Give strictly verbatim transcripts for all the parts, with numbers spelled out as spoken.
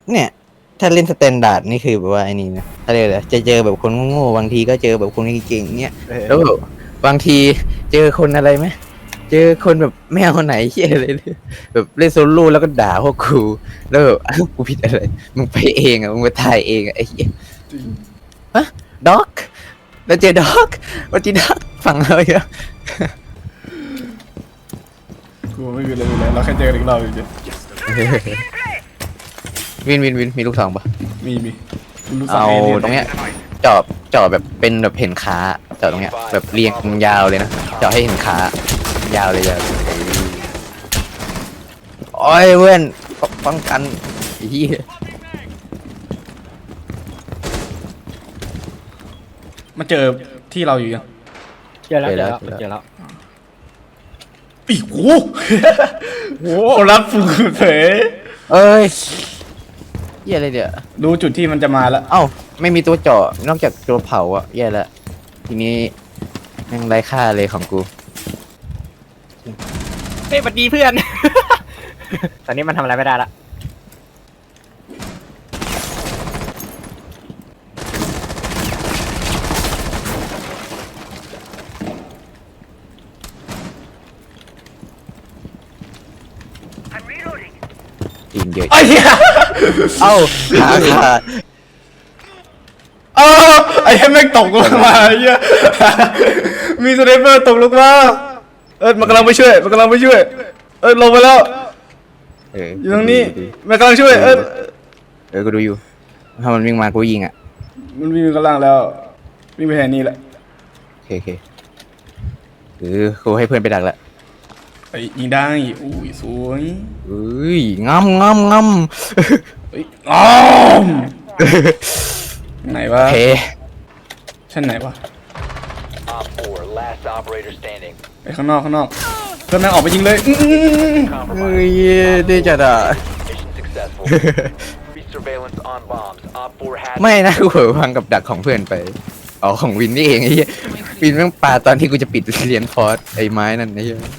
เนี่ยถ้าเล่นสแตนดาร์ดนี่คือแบบว่าไอ้นี่นะอะไรเลยจะเจอแบบคนโง่ๆบางทีก็เจอแบบคนเก่งๆเนี่ยแล้วแบบบางทีเจอคนอะไรไหมเจอคนแบบไม่เอาคนไหนเฮียเลยแบบเล่นโซโล่แล้วก็ด่าพวกกูแล้วแบบอ้าวกูผิดอะไรมึงไปเองอ่ะมึงไปถ่ายเองอ่ะไอ้เหี้ยฮะด็อกแล้วเจอด็อกวันที่ด็อกฝั่งเราเยอะกูไม่มีอะไรเลยเราแค่เจอกันอีกรอบเฉยวินวินวินมีลูกสองปะมีมีรู้สักเอาเอเลี่ยนตรงเนี้ยเจาะเจาะแบบเป็นแบบเห็นขาเจาะตรงเนี้ยแบบเรียงยาวเลยนะเจาะให้เห็นขายาวเลยยาวเลยโอ้ยเว้นป้องกันไอ้เหี้ยมาเจอที่เราอยู่ยังเจอแล้วเจอแล้วเจอแล้วอีกโอ้โหรับฟูเผยเอ้ยเหี้ยอะไรเดี๋ยวรู้จุดที่มันจะมาแล้วเอ้าไม่มีตัวเจาะนอกจากตัวเผาอ่ะแย่ละทีนี้ยังไร้ค่าเลยของกูเฮ้ยสวัสดีเพื่อน ตอนนี้มันทำอะไรไม่ได้ละจริงเยอะไอ้เหี้ยเอ้าขาขาดเอ้าไอ้เหี้ยแม่งตกลงมาไอ้เหี้ยมีสไนเปอร์ตกลงมาเออมันกำลังไปช่วยมันกำลังไปช่วยเออลงไปแล้วเอออยู่ตรงนี้มันกำลังช่วยเออเออกูดูอยู่ถ้ามันวิ่งมากูยิงอ่ะมันวิ่งกำลังแล้ววิ่งไปแทนนี่แหละโอเคโอเคเออกูให้เพื่อนไปดักแล้วไอ้ยิงได้อุ้ยสวยเอ้ยงำงำงำเฮ้ยอ้อมไหนวะโอเคชั้นไหนวะ Op four, last operator standing. ไปข้างนอกข้างนอกเพื่อนแม่งออกไปยิงเลยอื้ออื้ออื้อเฮ้ Compromise. ยดีจัดอ่ะ Mission successful. Increased surveillance on bombs. Op four has ไม่นะกูเผลอพังกับดักของเพื่อนไปอ๋อของวินนี่เองไอ้เหี้ยวินแม่งปาตอนที่กูจะปิดเรียนฟอร์สไอ้ไม้นั่นไอ้เหี้ย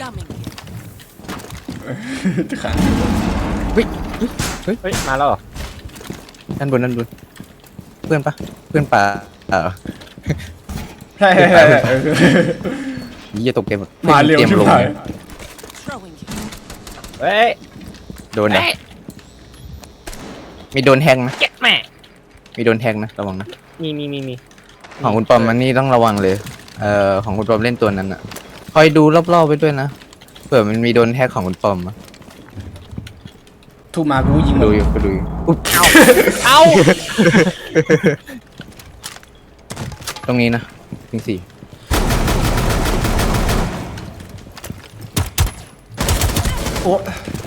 จะขังเฮ้ยเฮ้ยมาแล้วเหรอด้านบนด้านบนเพื่อนปะเพื่อนปาเออใช่ใช่ใช่ใช่เออยี่จะตกเกมมาเร็วตรียชิบลงหายเฮ้ยโดนนะมีโดนแทงนะเจ็ดแม่มีโดนแทงนะระวังนะมีมีมีมีของคุณปอมมันนี่ต้องระวังเลย เอ่อของคุณปอมเล่นตัวนั้นอ่ะ คอยดูรอบๆไปด้วยนะ เผื่อมันมีโดนแท็กของคุณปอมอะทุกมากูยิงดูเลยอยู่ก็ดูอยู่อุ๊ยเอาตรงนี้นะจริงสี่โอ้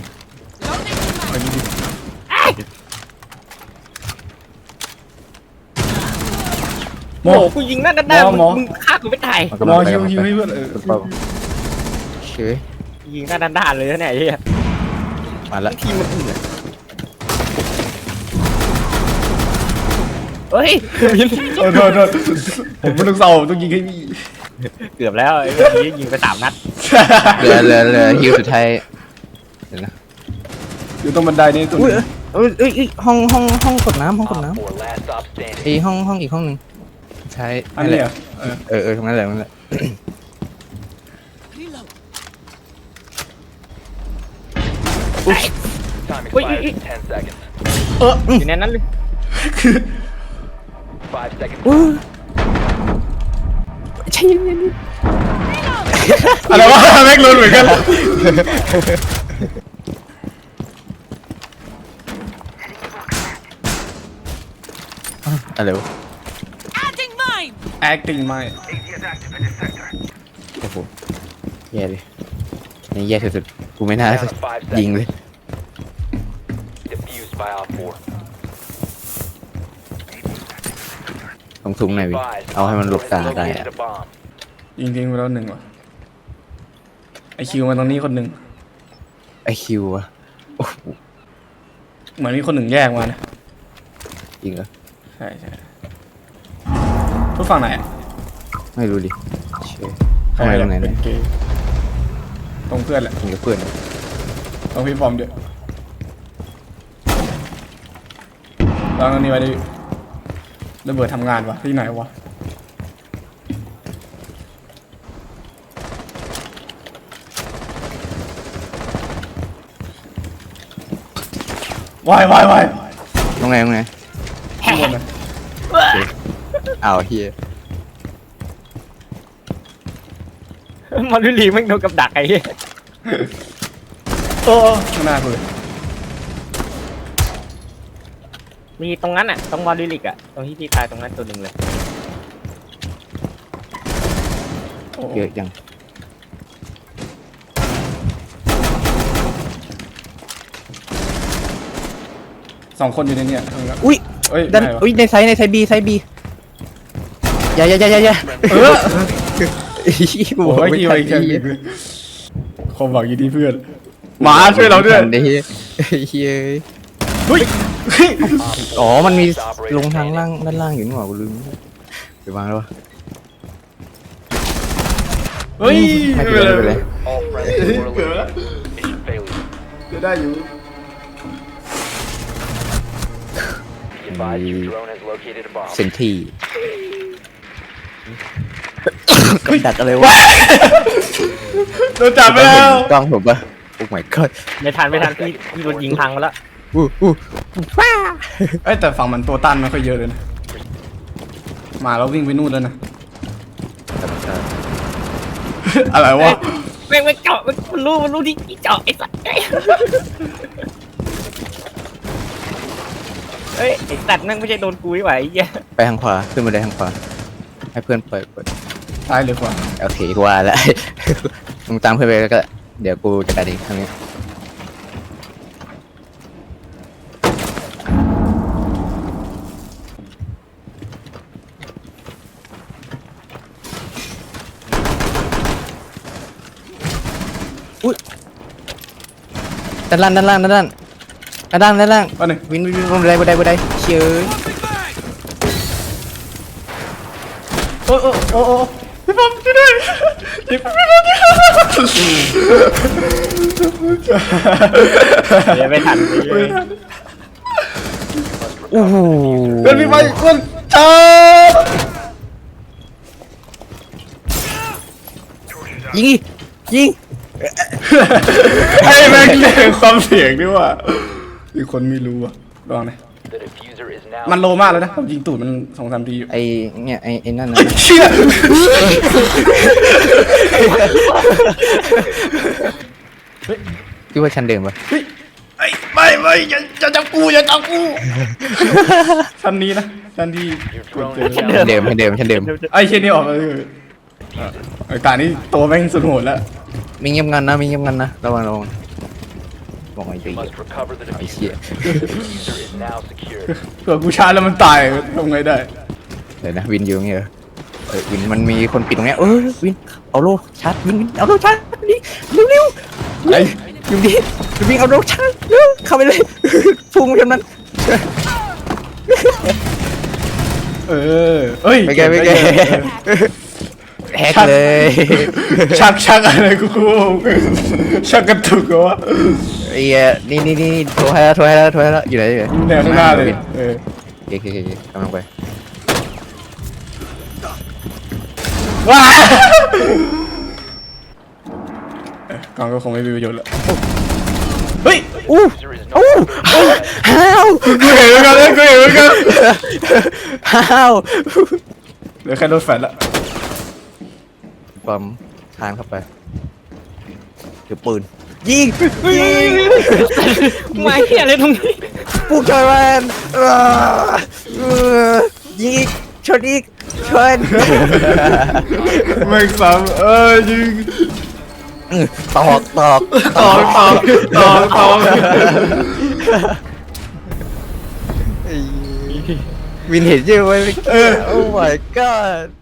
หมโอ้อโหกูยิงหน้าด้านหน้าหมอมึงฆ่ากูไม่ตายมันหกำมลัองไปฮิวกำลังฮิวไปให้เพื่อนเออคุณปอมเชยยิงหน้าด้านด้านเลยนะเนี่ยไอ้เหี้ยมาละทีมมันอื่นเฮ้ยโทษโทษโทษผมเป็นลูกเสาต้องยิงให้พี่เกือบแล้วไอ้เมื่อกี้ยิงไปสามนัดเหลือเหลือเหลือฮิวสุดท้ายเดี๋ยวนะอยู่ตรงบันไดนี่ตัวอุ้ยนึงเอ้ยเอ้ยเอ้ยห้องห้องห้องกดน้ำห้องกด Op น้ four, last stop ำ standing. ไอห้องห้องอีกห้องหนึ่งใช่อันนั่นนี้แหเหรละอเออเออเออตรงนั้นแหละตรงนั้นแหละ Time Wait, expires wait, in ten seconds. อยู่ในนั้นเลย Five seconds. อู้ใช่ยังไงนี่อะไรวะแม็กลุนเหมือนกันอะไรวะ Adding mine! acting ไม่โอ้โหแย่เลยนี่แย่สุดๆกูไม่น่า Down to five ยิง seconds. เลย Defused by Op four. ตรงซุ้มหน่อยวิ Advised, เอาให้มันหล Op บ four ตา has ได้ located อะ a bomb. ยิงทิ้งไปแล้วหนึ่งว่ะไอคิวมาตรงนี้คนหนึ่งไอคิวอะโอ้โหเหมือนมีคนหนึ่งแยกมานะจริงเหรอใช่ใช่ทุกฝั่งไหนอะไม่รู้ดิเชื่อทำไมตรงไหนเป็เนี่ยนเกย์ตรงเพื่อนแหละมีกับเพื่อนตรงพี่ปอมเดี๋ยวลองอันนี้ไว้ดิระเบิดทำงานวะที่ไหนวะวายวายวายตรงไหนตรงไหนข้างบนนะอ้าวเฮียมอลลี่ลีแม่งโดนกับดักไอ้เหี้ยโอ้ข้างหน้ากูเลยมีตรงนั้นอ่ะตรงมอลลี่ลิกอ่ะตรงที่พี่ตายตรงนั้นตัวหนึ่งเลยโอ้เยอะจังสองคนอยู่ในเนี่ยข้างหลังอุ้ยเอ้ยด้านไหนวะอุ้ยในไซส์ในไซส์บีไซส์บีอย่าอย่าอย่าอย่าอย่าเออกูโอ้บอกยไม่ที่ทัไว้นแค่ดีนี้คมบอกอยู่ที่เพื่อนหมาช่วยเราด้วยเฮียเฮียเฮ้ยเฮ้ยอ๋อมันมีลงทางล่างด้านล่างอยู่นี่หว่ากูลืมไปวางแล้ววะเฮ้ยไม่เป็นไรไม่เป็นไร All friendly were eliminated. Mission failure. จะได้อยู่ Be advised your drone has located a bomb. เซนที่กับดักอะไรวะโดนจับไปแล้วกล้องผมปะโอ้ my god ไม่ทันไม่ทันพี่พี่โดนยิงพังมาแล้วอู้อู้ว้าเอ้ยแต่ฝั่งมันตัวต้านไม่ค่อยเยอะเลยนะมาแล้ววิ่งไปนู่นแล้วนะ อะไรวะแม่งไม่เจาะมันรู้มันรู้ที่เจาะไอ้สัตว์เฮ้ยไอ้สัตว์นั่งไม่ใช่โดนกูไม่ไหวไอ้เหี้ยไปทางขวาขึ้นมาได้ทางขวาให้เพื่อนเปิดเปิดซ้ายหรือขวาโอเคกูว่าแล้ว มึงตามเพื่อนไปแล้วก็เดี๋ยวกูจะกัดเองครั้งนี้อุ้ยด้านล่างด้านล่างด้านล่างด้านล่างด้านล่างอันหนึ่งวินวินวินบันไดบันไดบันไดเชยโอ้โอ้โอ้โอ้พี่ป๊อปช่วยด้วยพี่ป๊อปพี่ป๊อปเดี๋ยวไม่ทันไอ้เหี้ยโอ้โหเพื่อนพี่ไปเพื่อนจ้ายิงดิยิงไอ้แม่งเล่นความเสียงด้วยว่ะมีคนไม่รู้อ่ะลองหน่อย The diffuser is now. มันโลมากแล้วนะผมยิงตูดมันสองสามทีอยู่ไอเนี่ยไอไอนั่นนะไอ้เชี่ยคิดว่าชั้นเดิมปะเฮ้ยไอ้ไม่ไม่อย่าอย่าจับกูอย่าจับกูชั้นนี้นะชั้นที่ Your drone เจอ is ชั้น now. เดิมชั้นเดิมชั้นเดิมไอ้เชี่ยนี่ออกมาเลยอ่ะไอ้ตานี่ตัวแม่งสุดโหดแล้วมีเงียบงันนะมีเงียบงันนะระวังระวังบอกไอ้ You เหี้ย must recover the ไอ้เหี้ย diffuser. The diffuser is now secured. เผื่อกูชาร์จแล้วมันตายทำไงได้เดี๋ยวนะวินอยู่ตรงนี้เหรอเออวินมันมีคนปิดตรงเนี้ยเออวินเอาโลชาร์จวินวินเอาโลชาร์จดิเร็วเร็วไอ้วินดิวินเอาโลชาร์จเร็วเข้าไปเลยพุ่งไปทางนั้นเออเอ้ยไม่แกไม่แกแฮกเลยชักชักอะไรกูกูชักกระตุกเหรอวะไอ้เหี้ยนี่นี่นี่โทรให้แล้วโทรให้แล้วโทรให้แล้วอยู่ไหนอยู่ไหนแนวข้างหน้าเลยเออโอเคโอเคโอเคกำลังไปว้าเอ้ยกล่องก็คงไม่มีประโยชน์ละเฮ้ยอู้ Diffuser is no อู้ longer อ้าวกูเห็นเหมือนกันเลยกูเห็นเหมือนกันอ้าวเหลือแค่รถแฟนละปอมทานเข้าไปถือปืนยิงยิงไม่เหี้ยอะไรตรงนี้ปุ๊กชอยมันเออเออยิงอีกชนอีกชนไม่ซ้ำเออยิงอื้อตอกตอกตอกตอกตอกตอกวินเห็นใช่ไหมเออโอ้ my god